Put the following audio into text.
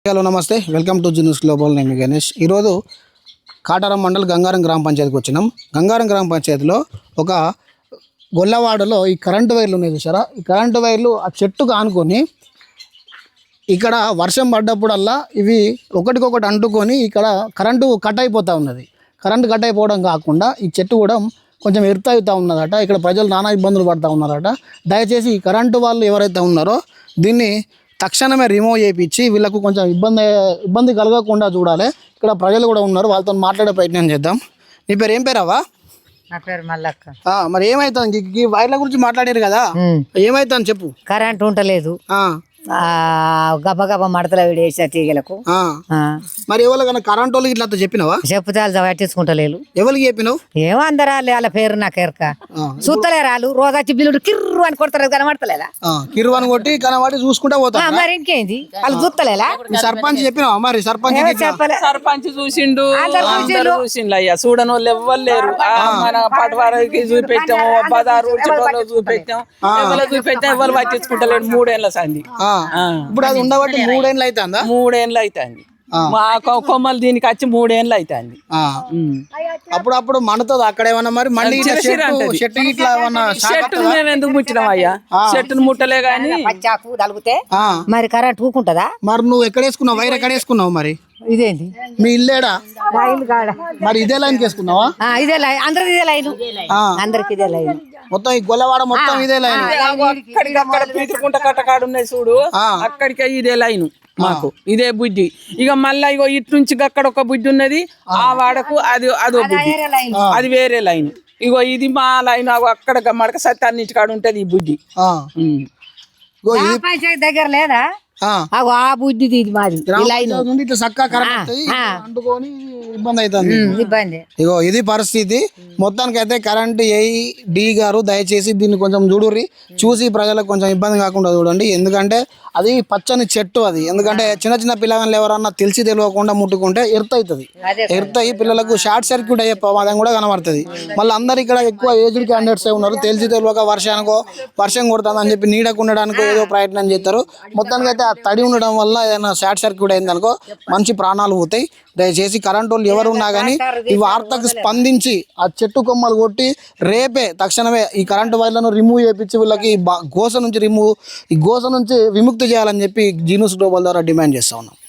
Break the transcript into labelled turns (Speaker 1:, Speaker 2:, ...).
Speaker 1: Hello నమస్తే, welcome to news global. నేను గణేష్. ఈరోజు కాటారం మండల్ గంగారం గ్రామ పంచాయతీకి వచ్చినాం. గంగారం గ్రామ పంచాయతీలో ఒక గొల్లవాడలో ఈ కరెంటు వైర్లు ఉన్నాయి చూసారా. ఈ కరెంటు వైర్లు ఆ చెట్టుకు ఆనుకొని ఇక్కడ వర్షం పడ్డప్పుడల్లా ఇవి ఒకటికొకటి అంటుకొని ఇక్కడ కరెంటు కట్ అయిపోతూ ఉన్నది. కరెంటు కట్ అయిపోవడం కాకుండా ఈ చెట్టు కూడా కొంచెం ఎర్త్ అవుతూ ఉన్నదట. ఇక్కడ ప్రజలు నానా ఇబ్బందులు పడుతూ ఉన్నారట. దయచేసి ఈ కరెంటు వాళ్ళు ఎవరైతే ఉన్నారో దీన్ని తక్షణమే రిమూవ్ చేయించి వీళ్ళకు కొంచెం ఇబ్బంది కలగకుండా చూడాలి. ఇక్కడ ప్రజలు కూడా ఉన్నారు, వాళ్ళతో మాట్లాడే ప్రయత్నం చేద్దాం. నీ పేరు ఏం పేరావా?
Speaker 2: నా పేరు మల్లక్క.
Speaker 1: మరి ఏమైతుంది ఈ వైర్ల గురించి మాట్లాడారు కదా, ఏమైతుంది చెప్పు.
Speaker 2: కరెంట్ ఉంటలేదు, గబగబ మడతలు వేసా తీగలకు.
Speaker 1: మరి ఎవరికైనా కరెంట్ వాళ్ళకి ఇట్లా చెప్పినావా?
Speaker 2: చెప్తే వాళ్ళు పట్టించుకుంటలేరు.
Speaker 1: ఎవరికి చెప్పినావు?
Speaker 2: ఏమో అందరు వాళ్ళ పేరు నాకు ఎరక చూస్తలేరు. వాళ్ళు రోజు వచ్చి బిల్లుడు కిర్రు అని కొడతారు, కనబడతలేదా?
Speaker 1: కిర్రు అని కొట్టి కనబడి చూసుకుంటా పోతా.
Speaker 2: మరి ఇంకేంది వాళ్ళు చూస్తలేలా?
Speaker 1: సర్పంచ్ చెప్పినావా? మరి
Speaker 3: సర్పంచ్ చూసిండు, చూసిండు అయ్యా. చూడని వాళ్ళు ఎవ్వరు లేరు. మన పటవారికి చూపెట్టాము, బదారు చూపెట్టాం, ఎవరు చూపెట్టాం, ఎవరు పట్టించుకుంటలేడు. 3 ఏళ్ల సంది.
Speaker 1: ఇప్పుడు అది ఉండబట్టి 3 ఏళ్ళు అవుతుందా?
Speaker 3: 3 ఏళ్ళు అవుతుంది. మా కొమ్మలు దీనికి వచ్చి 3 ఏళ్ళు అవుతుంది.
Speaker 1: అప్పుడప్పుడు మనతో అక్కడ ఏమన్నా మరి మళ్ళీ
Speaker 3: చెట్టు మేము ఎందుకు ముట్టినాం అయ్యా? చెట్టును ముట్టలే గాని
Speaker 2: తలిగితే మరి కరెంట్ ఊకుంటదా?
Speaker 1: మరి నువ్వు ఎక్కడ వేసుకున్నావు? వైర్ ఎక్కడ వేసుకున్నావు? మరి
Speaker 2: ఇదేంటి
Speaker 1: మీ ఇల్లేడా? మరి ఇదే లైన్ వేసుకున్నావా?
Speaker 2: ఇదే లైన్, అందరికి ఇదే లైన్, అందరికి ఇదే లైన్.
Speaker 1: మొత్తం ఈ గొల్లవాడ మొత్తం ఇదే లైన్.
Speaker 3: అక్కడ పీతుకుంట కట్టకాడు ఉన్నాయి చూడు, అక్కడికి ఇదే లైన్ మాకు, ఇదే బుద్ధి. ఇక మళ్ళా ఇగో ఇటు నుంచి అక్కడ ఒక బుద్ధి ఉన్నది, ఆ వాడకు అదో బుద్ధి, అది వేరే లైన్. ఇగో ఇది మా లైన్, అక్కడ మడక సత్యాన్నింటి కాడ ఉంటది ఈ బుద్ధి.
Speaker 2: దగ్గర లేదా? ఆ బుద్ధి ఇది మాది.
Speaker 1: ఇబ్బంది అవుతుంది.
Speaker 2: ఇబ్బంది.
Speaker 1: ఇగో ఇది పరిస్థితి. మొత్తానికి అయితే కరెంట్ డి గారు దయచేసి దీన్ని కొంచెం చూడుర్రి, చూసి ప్రజలకు కొంచెం ఇబ్బంది కాకుండా చూడండి. ఎందుకంటే అది పచ్చని చెట్టు అది. ఎందుకంటే చిన్న చిన్న పిల్లగాళ్ళు ఎవరన్నా తెలియకుండా ముట్టుకుంటే ఎర్త్ అవుతుంది. ఎర్త్ అయ్యి పిల్లలకు షార్ట్ సర్క్యూట్ అయ్యే ప్రమాదం కూడా కనబడుతుంది. మళ్ళీ అందరు ఇక్కడ ఎక్కువ ఏజ్డ్ క్యాండిడేట్స్ ఉన్నారు. తెలియక వర్షం కొడుతుంది అని చెప్పి నీడకు ఉండడానికి ఏదో ప్రయత్నం చేస్తారు. మొత్తానికి అయితే ఆ తడి ఉండడం వల్ల ఏదైనా షార్ట్ సర్క్యూట్ అయిందనుకో మంచి ప్రాణాలు పోతాయి. దయచేసి కరెంట్ వాళ్ళు ఎవరు ఉన్నా కానీ ఈ వార్తకు స్పందించి ఆ చెట్టు కొమ్మలు కొట్టి రేపే తక్షణమే ఈ కరెంటు వైర్లను రిమూవ్ చేయించి వీళ్ళకి ఈ గోస నుంచి విముక్తి చేయాలని చెప్పి న్యూస్ గ్లోబల్ ద్వారా డిమాండ్ చేస్తా ఉన్నాం.